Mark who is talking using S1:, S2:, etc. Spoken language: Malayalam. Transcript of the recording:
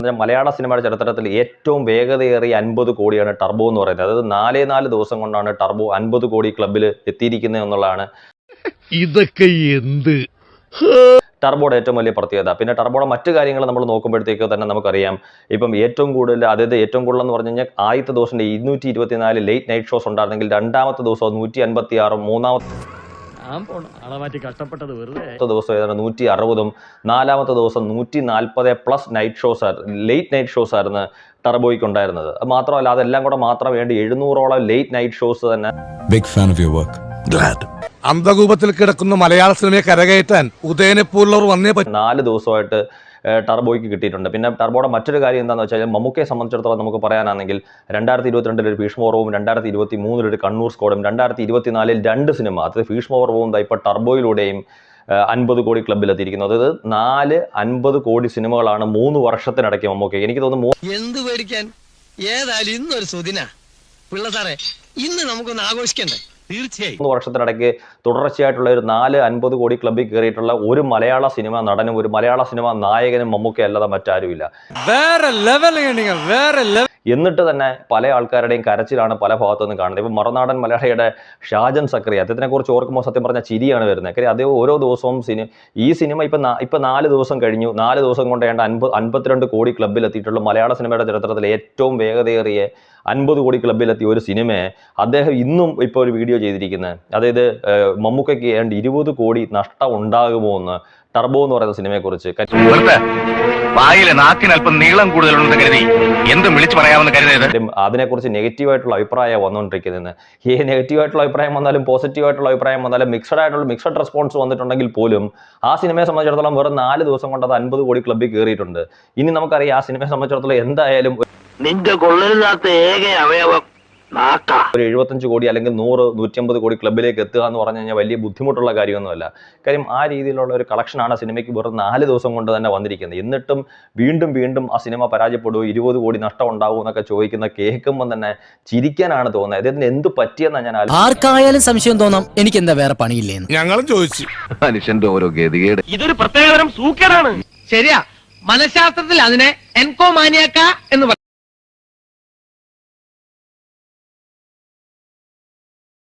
S1: പറഞ്ഞാൽ മലയാള സിനിമയുടെ ചരിത്രത്തിൽ ഏറ്റവും വേഗതയേറിയ 50 കോടിയാണ് ടർബോ എന്ന് പറയുന്നത്. അതായത് 4 ദിവസം കൊണ്ടാണ് ടർബോ 50 കോടി ക്ലബ്ബിൽ എത്തിയിരിക്കുന്നത് എന്നുള്ളതാണ്
S2: ഇതൊക്കെ എന്ത്
S1: ടർബോയുടെ ഏറ്റവും വലിയ പ്രത്യേകത. പിന്നെ ടർബോയുടെ മറ്റു കാര്യങ്ങൾ നമ്മൾ നോക്കുമ്പോഴത്തേക്ക് തന്നെ നമുക്കറിയാം, ഇപ്പം ഏറ്റവും കൂടുതൽ ഏറ്റവും കൂടുതൽ എന്ന് പറഞ്ഞു കഴിഞ്ഞാൽ ആദ്യത്തെ ദിവസം 224 ലേറ്റ് നൈറ്റ് ഷോസ് ഉണ്ടായിരുന്നെങ്കിൽ രണ്ടാമത്തെ ദിവസം 156, മൂന്നാമത്തെ ദിവസം ഏതാണ്ട് 160, നാലാമത്തെ ദിവസം 140+ night shows late night shows ആയിരുന്നു ടർബോയ്ക്ക് ഉണ്ടായിരുന്നത്. അത് മാത്രമല്ല, അതെല്ലാം കൂടെ മാത്രം വേണ്ടി 700ഓളം ലേറ്റ് നൈറ്റ് ഷോസ് തന്നെ.
S3: Big fan of your work. Glad.
S2: അന്ധകൂപത്തിൽ കിടക്കുന്ന മലയാള സിനിമയെ കരകയറ്റാൻ ഉദയനെ പോലുള്ളവർ വന്നേ പറ്റും.
S1: 4 ദിവസമായിട്ട് ടർബോയ്ക്ക് കിട്ടിയിട്ടുണ്ട്. പിന്നെ ടർബോയുടെ മറ്റൊരു കാര്യം എന്താണെന്ന് വെച്ചാൽ, മമ്മൂക്കയെ സംബന്ധിച്ചിടത്തോളം നമുക്ക് പറയാനാണെങ്കിൽ 2022 ഭീഷ്മപർവവും 2023 ഒരു കണ്ണൂർ സ്ക്വാഡും 2024 2 സിനിമ, അതായത് ഭീഷ്മപർവവും ഇപ്പോൾ ടർബോയിലൂടെയും 50 കോടി ക്ലബ്ബിലെത്തിയിരിക്കുന്നത്. അതായത് 50 കോടി സിനിമകളാണ് 3 വർഷത്തിനിടയ്ക്ക് മമ്മൂക്ക. എനിക്ക് തോന്നുന്നു
S4: എന്ത് പേടിക്കാൻ, ഏതായാലും ഇന്നൊരു സുദിന പിള്ള സാറേ, ഇന്ന് നമുക്കൊന്ന് ആഘോഷിക്കണ്ടേ? തീർച്ചയായും
S1: 3 വർഷത്തിനിടയ്ക്ക് തുടർച്ചയായിട്ടുള്ള ഒരു 50 കോടി ക്ലബ്ബിൽ കയറിയിട്ടുള്ള ഒരു മലയാള സിനിമ നടനും ഒരു മലയാള സിനിമ നായകനും മമ്മൂക്ക അല്ലാതെ മറ്റാരുമില്ല. എന്നിട്ട് തന്നെ പല ആൾക്കാരുടെയും കരച്ചിലാണ് പല ഭാഗത്തു നിന്ന് കാണുന്നത്. ഇപ്പം മറുനാടൻ മലയാളിയുടെ ഷാജൻ സക്രി, അദ്ദേഹത്തിനെ കുറിച്ച് ഓർക്കുമ്പോൾ സത്യം പറഞ്ഞാൽ ചിരിയാണ് വരുന്നത്. കാര്യം അതേ ഓരോ ദിവസവും ഈ സിനിമ ഇപ്പം 4 ദിവസം കഴിഞ്ഞു. 4 ദിവസം കൊണ്ട് 52 കോടി ക്ലബ്ബിലെത്തിയിട്ടുള്ള മലയാള സിനിമയുടെ ചരിത്രത്തിലെ ഏറ്റവും വേഗതയേറിയ 50 കോടി ക്ലബ്ബിലെത്തിയ ഒരു സിനിമയെ അദ്ദേഹം ഇന്നും ഇപ്പോൾ ഒരു വീഡിയോ ചെയ്തിരിക്കുന്നത്. അതായത് മമ്മൂക്കയ്ക്ക് 20 കോടി നഷ്ടം ഉണ്ടാകുമോ എന്ന് ടർബോ എന്ന് പറയുന്ന സിനിമയെ കുറിച്ച്. അതിനെക്കുറിച്ച് നെഗറ്റീവായിട്ടുള്ള അഭിപ്രായം വന്നുകൊണ്ടിരിക്കുന്നത്. ഈ നെഗറ്റീവായിട്ടുള്ള അഭിപ്രായം വന്നാലും പോസിറ്റീവായിട്ടുള്ള അഭിപ്രായം വന്നാലും മിക്സഡ് റെസ്പോൺസ് വന്നിട്ടുണ്ടെങ്കിൽ പോലും ആ സിനിമയെ സംബന്ധിച്ചിടത്തോളം വെറും 4 ദിവസം കൊണ്ട് അത് 50 കോടി ക്ലബ്ബിൽ കയറിയിട്ടുണ്ട്. ഇനി നമുക്കറിയാം, ആ സിനിമയെ സംബന്ധിച്ചിടത്തോളം എന്തായാലും
S5: നിന്റെ കൊള്ളരുതാത്ത ഏക അവയവം
S1: ഒരു 75 കോടി അല്ലെങ്കിൽ 100-150 കോടി ക്ലബ്ബിലേക്ക് എത്തുക എന്ന് പറഞ്ഞു കഴിഞ്ഞാൽ വലിയ ബുദ്ധിമുട്ടുള്ള കാര്യമൊന്നുമല്ല. കാര്യം ആ രീതിയിലുള്ള ഒരു കളക്ഷനാണ് ആ സിനിമയ്ക്ക് വെറും 4 ദിവസം കൊണ്ട് തന്നെ വന്നിരിക്കുന്നത്. എന്നിട്ടും വീണ്ടും ആ സിനിമ പരാജയപ്പെടുമോ, 20 കോടി നഷ്ടം ഉണ്ടാവും എന്നൊക്കെ ചോദിക്കുന്ന കേൾക്കുമ്പോൾ തന്നെ ചിരിക്കാനാണ് തോന്നുന്നത്. ഇതിന് എന്ത് പറ്റിയെന്നാണ് ഞാൻ
S6: ആർക്കായാലും സംശയം തോന്നാം, എനിക്ക് എന്താ വേറെ പണിയില്ലേന്ന്
S2: ഞങ്ങളും ചോദിച്ചു.
S3: മനുഷ്യന്റെ ഓരോ ഗതികേട്.
S4: ഇതൊരു പ്രത്യേകതരം സൂക്കേടാണ്. ശരിയാ, മനഃശാസ്ത്രത്തിൽ അതിനെ എൻകോമാനിയാക്ക എന്ന്